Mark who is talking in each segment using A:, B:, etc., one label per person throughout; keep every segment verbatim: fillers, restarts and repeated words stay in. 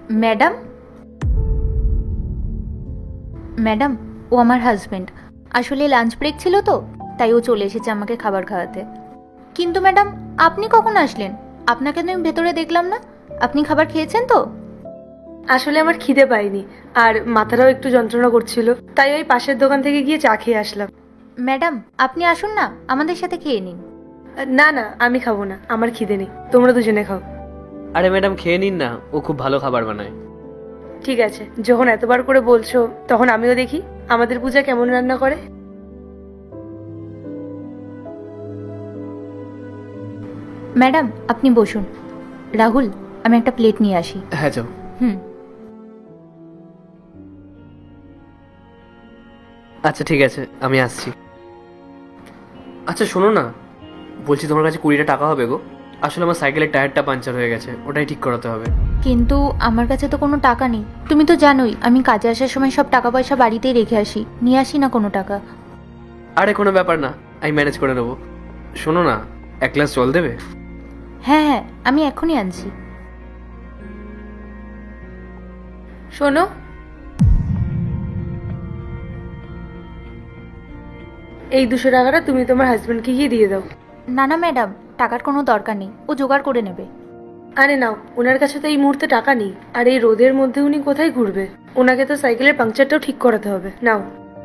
A: Madam madam ও আমার husband. আসলে lunch break ছিল তো, তাই ও চলে এসেছে আমাকে খাবার খাওয়াতে। কিন্তু ম্যাডাম, আপনি কখন আসলেন? আপনাকে তো আমি ভেতরে দেখলাম না। আপনি খাবার খেয়েছেন তো?
B: আসলে আমার খিদে পাইনি, আর মাথাটাও একটু যন্ত্রণা করছিল, তাই ওই পাশের দোকান থেকে গিয়ে চা খেয়ে আসলাম।
A: ম্যাডাম, আপনি আসুন না, আমাদের সাথে খেয়ে নিন।
B: না না, আমি খাবো না, আমার খিদে নেই, তোমরা দুজনে খাও।
C: আরে ম্যাডাম, খেয়ে নিন না, ও খুব ভালো খাবার বানায়।
B: ঠিক আছে, যখন এতবার করে বলছো তখন আমিও দেখি আমাদের পূজা কেমন রান্না করে।
A: ম্যাডাম, আপনি বসুন। রাহুল, আমি একটা প্লেট নিয়ে আসি।
C: হ্যাঁ যাও।
A: হুম।
C: আচ্ছা ঠিক আছে, আমি আসছি। আচ্ছা শোনো না, বলছি তোমার কাছে কুড়িটা টাকা হবে গো? আসলে আমার সাইকেলের টায়ারটা পাঞ্চার হয়ে গেছে, ওটাই ঠিক করাতে হবে।
A: কিন্তু আমার কাছে তো কোনো টাকা নেই। তুমি তো জানোই আমি কাজে আসার সময় সব টাকা পয়সা বাড়িতেই রেখে আসি, নিয়ে আসি না কোনো টাকা।
C: আরে কোনো ব্যাপার না, আমি ম্যানেজ করে নেবো। শোনো না, এক গ্লাস জল দেবে?
A: হ্যাঁ হ্যাঁ, আমি এখনই আনছি।
B: শোনো, এই দুশো টাকাটা তুমি তোমার হাজবেন্ডকে গিয়ে দিয়ে দাও।
A: না না ম্যাডাম, টাকার কোনো দরকার নেই, ও জোগাড় করে নেবে।
B: আরে নাও, ওনার কাছে তো এই মুহূর্তে টাকা নেই, আর এই রোদের মধ্যে উনি কোথায় ঘুরবে? ওনাকে তো সাইকেলের পাংচারটাও ঠিক করাতে হবে। নাও।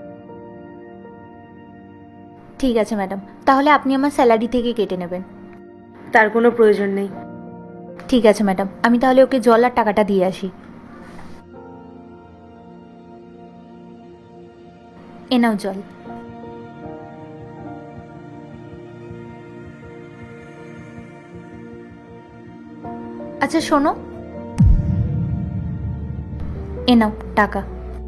A: ঠিক আছে ম্যাডাম, তাহলে আপনি আমার স্যালারি থেকে কেটে নেবেন।
B: তার কোনো প্রয়োজন নেই।
A: ঠিক আছে ম্যাডাম, আমি তাহলে ওকে জল আর টাকাটা দিয়ে আসি। এ নাও জল। আচ্ছা শোনো, এ নাও টাকা।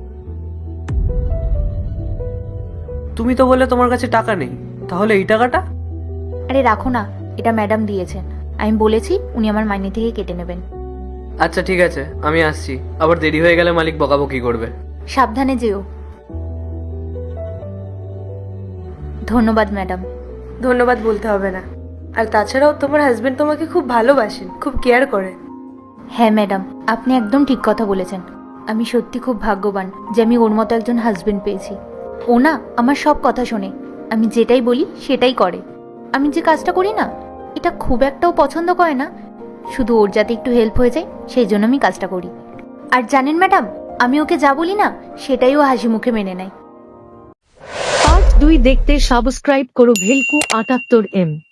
C: তুমি তো বললে তোমার কাছে টাকা নেই, তাহলে এই টাকাটা?
A: আরে রাখো না, এটা ম্যাডাম দিয়েছেন। আমি বলেছি উনি আমার মাইনে থেকে কেটে নেবেন।
C: আচ্ছা ঠিক আছে, আমি আসছি। আবার দেরি হয়ে গেলে মালিক বকাবকি করবে।
A: সাবধানে যেও। ধন্যবাদ ম্যাডাম।
B: ধন্যবাদ বলতে হবে না। আর তাছাড়াও তোমার হাজবেন্ড তোমাকে খুব ভালোবাসেন, খুব কেয়ার করেন।
A: হ্যাঁ ম্যাডাম, আপনি একদম ঠিক কথা বলেছেন। আমি সত্যি খুব ভাগ্যবান যে আমি ওর মতো একজন হাজবেন্ড পেয়েছি। ও না আমার সব কথা শোনে, আমি যেটাই বলি সেটাই করে। আমি যে কাজটা করি না, এটা খুব একটাও পছন্দ করে না, শুধু ওর যাতে একটু হেল্প হয়ে যায় সেই জন্য আমি কাজটা করি। আর জানেন ম্যাডাম, আমি ওকে যা বলি না সেটাই ও হাসি মুখে মেনে নেয়।
D: পার্ট দুই দেখতে সাবস্ক্রাইব করো ভেলকু আটাত্তর এম।